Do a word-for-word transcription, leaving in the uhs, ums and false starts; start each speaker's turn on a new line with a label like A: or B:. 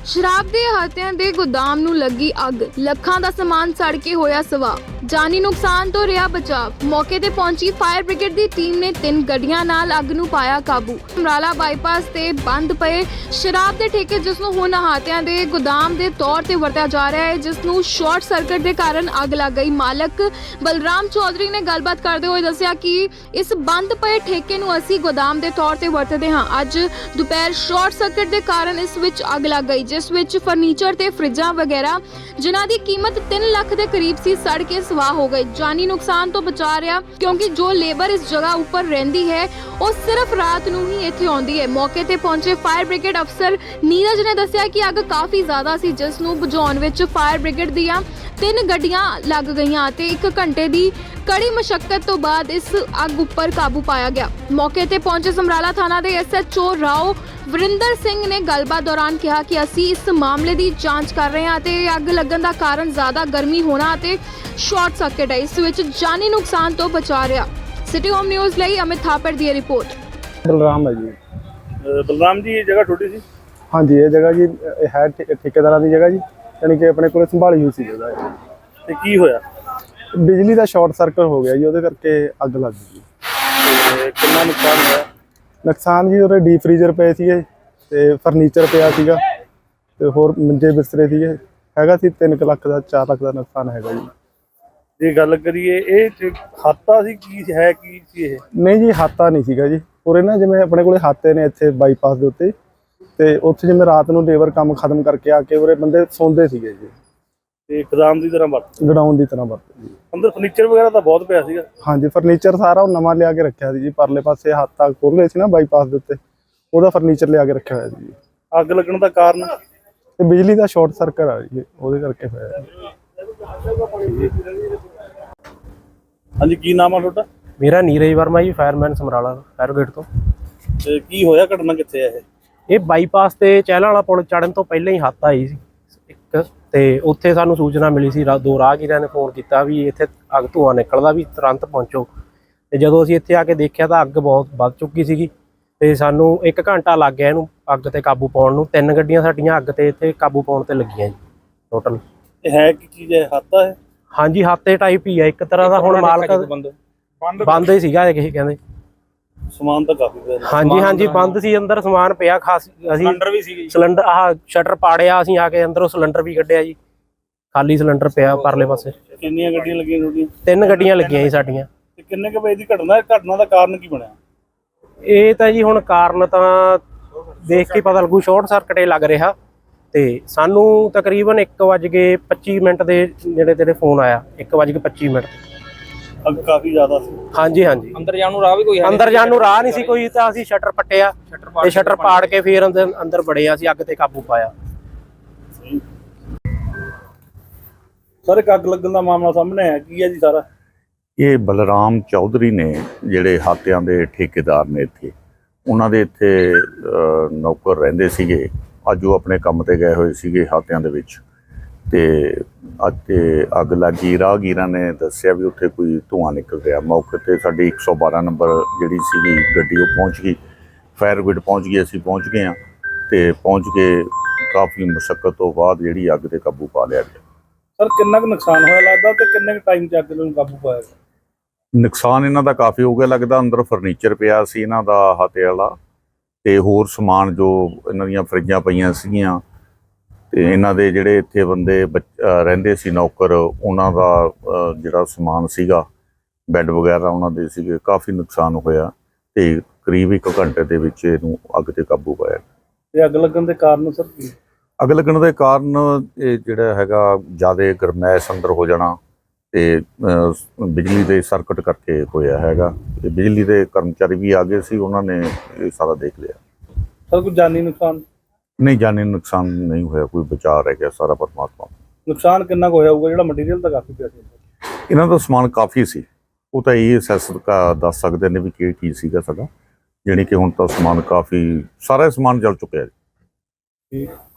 A: शराब के हाथियां दे गोदाम नूं लगी अग, ਲੱਖਾਂ ਦਾ समान सड़ के होया सवा। जानी नुकसान तो रहा बचाव। मौके ते पहुंची फायर ब्रिगेड की टीम ने तीन गड्डियां नाल अग नूं पाया काबू। समराला बाईपास ते बंद पए शराब के ठेके जिस नूं हुण हाथियां दे गोदाम के तौर ते वरतिया जा रहा है, जिस नूं शॉर्ट सर्किट के कारण अग लग गई। मालक बलराम चौधरी ने गलबात करते हुए दस्सिया कि इस बंद पए ठेके नूं असीं गोदाम के तौर ते वरतदे हां। अज दोपहर शॉर्ट सर्किट के कारण इस विच अग लग गई, जिस विच फर्नीचर ते फ्रिजां वगैरह जिन्हां दी कीमत तीन लाख के करीब सी सड़ के स्वाह हो गई। जानी नुकसान तो बचा रहा, क्योंकि जो लेबर इस जगह ऊपर रहिंदी है वो सिर्फ रात नूं ही इत्थे आउंदी है। मौके ते पहुंचे फायर ब्रिगेड अफसर नीरज ने दस्सिया कि अग काफ़ी ज़्यादा सी, जिस नूं बुझाउण विच फायर ब्रिगेड दीआं तीन गड्डियां लग गईयां ते एक घंटे दी कड़ी मशक्कत तो बाद इस अग उपर काबू पाया गया। मौके ते पहुंचे समराला थाना के S H O Rao Varinder Singh ने गलबात दौरान कहा कि असी इस मामले की जांच कर रहे हैं ते अग लगन का कारण ज़्यादा गर्मी होना ते शॉर्ट सर्किट है, इस विच जानी नुकसान तो बचा रहा। सिटी होम न्यूज़ लई अमित थापड़ दी रिपोर्ट।
B: बलराम है जी।
C: बलराम जी ये जगह छोटी सी?
B: हाँ जी, ये जगह जी है ठेकेदार की जगह जी, यानी कि अपने को संभाली हुई सी जगह।
C: ते की होया?
B: बिजली का शॉर्ट सर्किट हो गया जी, वो करके अग लग गई।
C: कितना नुकसान होया?
B: नुकसान जी उरे डी फ्रीजर पे सीगे ते फर्नीचर पिया सीगा ते होर मंजे बिस्तरे सीगे, हैगा सी तीन लाख का चार लाख का नुकसान हैगा जी।
C: ये गल करिए ये हाता सी की है की सी ये?
B: नहीं जी, हाता नहीं सीगा जी। उरे ना जिवें अपने कोले हाते ने इत्थे बाईपास दे उत्ते ते उत्थे जिवें रात नूं लेबर काम खत्म करके आके उरे बंदे सौंदे सीगे जी।
C: ते गोदाम दी तरह वरत
B: गडाउन की तरह वरत जी।
C: अंदर फर्नीचर वगैरह तो बहुत पिया सीगा?
B: हाँ जी, फर्नीचर सारा नवा लिया के रखा जी। परले पासे हाथा खोल रहे थे ना बाईपास के उत्ते, वो फर्नीचर लिया के रखा हुआ जी।
C: अग लगन का कारण?
B: ते बिजली का शॉर्ट सर्किट आ जी, वो करके होया।
C: हाँ जी, की नाम है तुहाडा?
D: मेरा Neeraj Verma ji, fireman Samrala fire brigade तो।
C: ते की होया, घटना कित्थे है
D: ये बाईपास ते चहला वाला पुल चढ़न तो पहले ही हत्थ आई सी एक, ते उत्थे सानू सूचना मिली सी। दो राहगीरां ने फोन किया भी इत्थे अग धुआं निकलदा, भी तुरंत पहुंचो। ते जदों असीं इत्थे आके देखिया तां अग बहुत वध चुकी सीगी ते सानू एक घंटा लग गया इहनूं अग ते काबू पाउण नूं। तीन गड्डियां साडीआं अग ते इत्थे काबू पाउण ते लगियां जी टोटल।
C: है की चीज़ है? हाता है?
D: हाँ जी, हाते टाइप ही है एक तरह का। हुण मालक बंद ही सीगा किसी कहंदे।
C: समान तो काफी पिया।
D: हाँ जी हाँ जी, बंद सी, अंदर समान पिया खास। सिलेंडर भी सी, सिलेंडर आह शटर पाड़िया असीं आके अंदरों सिलेंडर भी कढ़िया जी, खाली सिलेंडर पिया परले पासे।
C: कितनियां गड्डियां लगियां तुहाडीਆਂ?
D: तीन गड्डियां लगियां जी साडीਆਂ।
C: ते किन्ने के वजे दी घटना है? घटना दा कारण की बनया?
D: ਇਹ ਤਾਂ ਜੀ ਹੁਣ ਕਾਰਨ ਤਾਂ ਦੇਖ ਕੇ ਪਤਾ ਲੱਗੂ। ਸ਼ਾਰਟ ਸਰਕਟ ਇਹ ਲੱਗ ਰਿਹਾ ਤੇ ਸਾਨੂੰ ਤਕਰੀਬਨ ਇੱਕ ਵੱਜ ਕੇ ਪੱਚੀ ਮਿੰਟ ਦੇ ਜਿਹੜੇ ਤੇਰੇ ਫੋਨ ਆਇਆ, ਇੱਕ ਵੱਜ ਕੇ ਪੱਚੀ ਮਿੰਟ।
C: अग काफी ज्यादा सी?
D: हाँ जी हाँ जी,
E: अंदर जाने राह भी कोई
D: अंदर जाने राह नहीं सी कोई, ਤਾਂ ਅਸੀਂ ਸ਼ਟਰ ਪੱਟਿਆ ਤੇ ਸ਼ਟਰ ਪਾੜ ਕੇ ਫਿਰ ਅੰਦਰ ਅੰਦਰ ਬੜੇ ਅਸੀਂ ਅੱਗ ਤੇ ਕਾਬੂ ਪਾਇਆ।
C: सर एक अग लगन का मामला सामने है, की है जी सारा?
F: ਇਹ ਬਲਰਾਮ ਚੌਧਰੀ ਨੇ ਜਿਹੜੇ ਹਾਤਿਆਂ ਦੇ ਠੇਕੇਦਾਰ ਨੇ ਇੱਥੇ, ਉਹਨਾਂ ਦੇ ਇੱਥੇ ਨੌਕਰ ਰਹਿੰਦੇ ਸੀਗੇ। ਅੱਜ ਉਹ ਆਪਣੇ ਕੰਮ ਤੇ ਗਏ ਹੋਏ ਸੀਗੇ ਹਾਤਿਆਂ ਦੇ ਵਿੱਚ ਤੇ ਅੱਜ ਤੇ ਅੱਗ ਲੱਗੀ। ਰਾਹਗੀਰਾਂ ਨੇ ਦੱਸਿਆ ਵੀ ਉੱਥੇ ਕੋਈ ਧੂੰਆਂ ਨਿਕਲ ਰਿਹਾ। ਮੌਕੇ ਤੇ ਸਾਡੀ ਇੱਕ ਸੌ ਬਾਰਾਂ ਨੰਬਰ ਜਿਹੜੀ ਸੀਗੀ ਗੱਡੀ ਉਹ ਪਹੁੰਚ ਗਈ, ਫਾਇਰ ਬ੍ਰਿਗੇਡ ਪਹੁੰਚ ਗਈ, ਅਸੀਂ ਪਹੁੰਚ ਗਏ ਹਾਂ ਤੇ ਪਹੁੰਚ ਕੇ ਕਾਫੀ ਮੁਸ਼ੱਕਤ ਤੋਂ ਬਾਅਦ ਜਿਹੜੀ ਅੱਗ ਤੇ ਕਾਬੂ ਪਾ ਲਿਆ ਗਿਆ।
C: सर कितना नुकसान होया लगता ते किन्ने टाइम च अग नूं काबू पाया?
F: ਨੁਕਸਾਨ ਇਹਨਾਂ ਦਾ ਕਾਫੀ ਹੋ ਗਿਆ ਲੱਗਦਾ। ਅੰਦਰ ਫਰਨੀਚਰ ਪਿਆ ਸੀ ਇਹਨਾਂ ਦਾ ਹਾਤੇ ਵਾਲਾ ਤੇ ਹੋਰ ਸਮਾਨ ਜੋ ਇਹਨਾਂ ਦੀਆਂ ਫਰਿੱਜਾਂ ਪਈਆਂ ਸੀਗੀਆਂ ਤੇ ਇਹਨਾਂ ਦੇ ਜਿਹੜੇ ਇੱਥੇ ਬੰਦੇ ਰਹਿੰਦੇ ਸੀ ਨੌਕਰ, ਉਹਨਾਂ ਦਾ ਜਿਹੜਾ ਸਮਾਨ ਸੀਗਾ ਬੈੱਡ ਵਗੈਰਾ ਉਹਨਾਂ ਦੇ ਸੀਗੇ। ਕਾਫੀ ਨੁਕਸਾਨ ਹੋਇਆ ਤੇ ਕਰੀਬ ਇੱਕ ਘੰਟੇ ਦੇ ਵਿੱਚ ਇਹਨੂੰ ਅੱਗ ਤੇ ਕਾਬੂ ਪਾਇਆ।
C: ਤੇ ਅੱਗ ਲੱਗਣ ਦੇ ਕਾਰਨ ਸਰ ਕੀ?
F: ਅੱਗ ਲੱਗਣ ਦੇ ਕਾਰਨ ਇਹ ਜਿਹੜਾ ਹੈਗਾ ਜ਼ਿਆਦਾ ਗਰਮੈਸ਼ ਅੰਦਰ ਹੋ ਜਾਣਾ ਤੇ ਬਿਜਲੀ ਦੇ ਸਰਕਟ ਕਰਕੇ ਹੋਇਆ ਹੈਗਾ। ਤੇ ਬਿਜਲੀ ਦੇ ਕਰਮਚਾਰੀ ਵੀ ਆ ਗਏ ਸੀ, ਉਹਨਾਂ ਨੇ ਇਹ ਸਾਰਾ ਦੇਖ ਲਿਆ।
C: सर कोई जानी नुकसान?
F: नहीं, जानी नुकसान नहीं होया, कोई बचाव रह गया सारा परमात्मा।
C: नुकसान कितना को होया होगा? ਜਿਹੜਾ मटीरियल ਤਾਂ ਕਾਫੀ ਪਿਆ ਸੀ
F: ਇਹਨਾਂ ਦਾ ਸਮਾਨ ਕਾਫੀ ਸੀ, ਉਹ ਤਾਂ ਇਹ ਅਸੈਸ ਦੱਸ ਸਕਦੇ ਨੇ ਵੀ ਕੀ ਕੀ ਸੀਗਾ ਸਾਡਾ। ਜਾਣੀ ਕਿ ਹੁਣ ਤਾਂ ਸਮਾਨ ਕਾਫੀ ਸਾਰਾ ਸਮਾਨ ਜਲ ਚੁੱਕਿਆ ਜੀ।
C: ਠੀਕ।